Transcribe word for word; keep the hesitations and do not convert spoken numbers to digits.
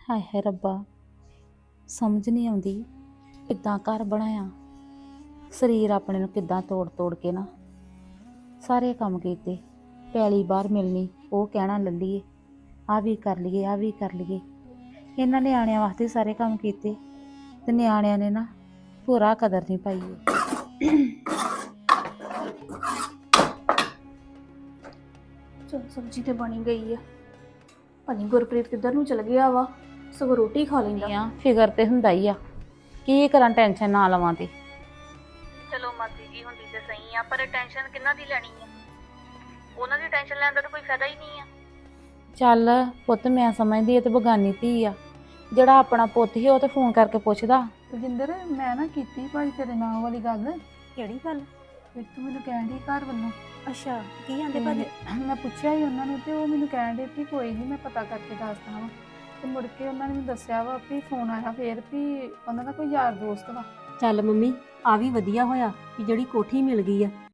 ਹਾਏ ਹਾਏ ਰੱਬਾ, ਸਮਝ ਨਹੀਂ ਆਉਂਦੀ ਕਿੱਦਾਂ ਘਰ ਬਣਾਇਆ। ਸਰੀਰ ਆਪਣੇ ਨੂੰ ਕਿੱਦਾਂ ਤੋੜ ਤੋੜ ਕੇ ਨਾ ਸਾਰੇ ਕੰਮ ਕੀਤੇ। ਪੈਲੀ ਬਾਹਰ ਮਿਲਣੀ, ਉਹ ਕਹਿਣਾ ਲੈ ਲਈਏ, ਆਹ ਵੀ ਕਰ ਲਈਏ, ਆਹ ਵੀ ਕਰ ਲਈਏ। ਇਹਨਾਂ ਨਿਆਣਿਆਂ ਵਾਸਤੇ ਸਾਰੇ ਕੰਮ ਕੀਤੇ ਤੇ ਨਿਆਣਿਆਂ ਨੇ ਨਾ ਪੂਰਾ ਕਦਰ ਨਹੀਂ ਪਾਈ। ਚਲ ਸਬਜ਼ੀ ਤੇ ਬਣੀ ਗਈ ਆ। ਪਤਾ ਨੀ ਗੁਰਪ੍ਰੀਤ ਕਿੱਧਰ ਨੂੰ ਚਲ ਗਿਆ ਵਾ, ਸਗੋਂ ਰੋਟੀ ਖਾ ਲੈਂਦਾ। ਆ ਫਿਕਰ ਤੇ ਹੁੰਦਾ ਹੀ ਆ, ਕੀ ਕਰਾਂ, ਟੈਨਸ਼ਨ ਨਾ ਲਵਾਂ ਤੇ। ਚਲੋ ਮਾਸੀ ਜੀ ਹੁੰਦੀ ਤੇ ਸਹੀ ਆ, ਪਰ ਟੈਨਸ਼ਨ ਕਿੰਨਾ ਦੀ ਲੈਣੀ ਆ? ਉਹਨਾਂ ਦੀ ਟੈਨਸ਼ਨ ਲੈਣ ਦਾ ਤਾਂ ਕੋਈ ਫਾਇਦਾ ਹੀ ਨਹੀਂ ਆ। ਚੱਲ ਪੁੱਤ, ਮੈਂ ਸਮਝਦੀ ਇਹ ਤੇ ਬਗਾਨੀ ਧੀ ਆ। ਜਿਹੜਾ ਆਪਣਾ ਪੁੱਤ ਸੀ ਉਹ ਤੇ ਫੋਨ ਕਰਕੇ ਪੁੱਛਦਾ। ਰਜਿੰਦਰ, ਮੈਂ ਨਾ ਕੀਤੀ ਭਾਈ ਤੇਰੇ ਨਾਲ ਵਾਲੀ ਗੱਲ। ਕਿਹੜੀ ਗੱਲ? ਫਿਰ ਤੂੰ ਮੈਨੂੰ ਕਹਿਣ ਡਈ ਘਰ ਵੱਲੋਂ। ਅੱਛਾ, ਕੀ ਆਂਦੇ ਤੇ ਭਾਜੀ? ਮੈਂ ਪੁੱਛਿਆ ਹੀ ਉਹਨਾਂ ਨੂੰ ਤੇ ਉਹ ਮੈਨੂੰ ਕਹਿਣ ਡੇ ਵੀ ਕੋਈ ਨਹੀਂ, ਮੈਂ ਪਤਾ ਕਰਕੇ ਦੱਸਦਾ ਵਾ। ਤੇ ਮੁੜ ਕੇ ਉਹਨਾਂ ਨੇ ਮੈਨੂੰ ਦੱਸਿਆ ਵਾ ਵੀ ਫੋਨ ਆਇਆ ਫੇਰ ਵੀ ਉਹਨਾਂ ਦਾ ਕੋਈ ਯਾਰ ਦੋਸਤ ਵਾ। ਚੱਲ ਮੰਮੀ, ਆ ਵੀ ਵਧੀਆ ਹੋਇਆ ਕਿ ਜਿਹੜੀ ਕੋਠੀ ਮਿਲ ਗਈ ਆ।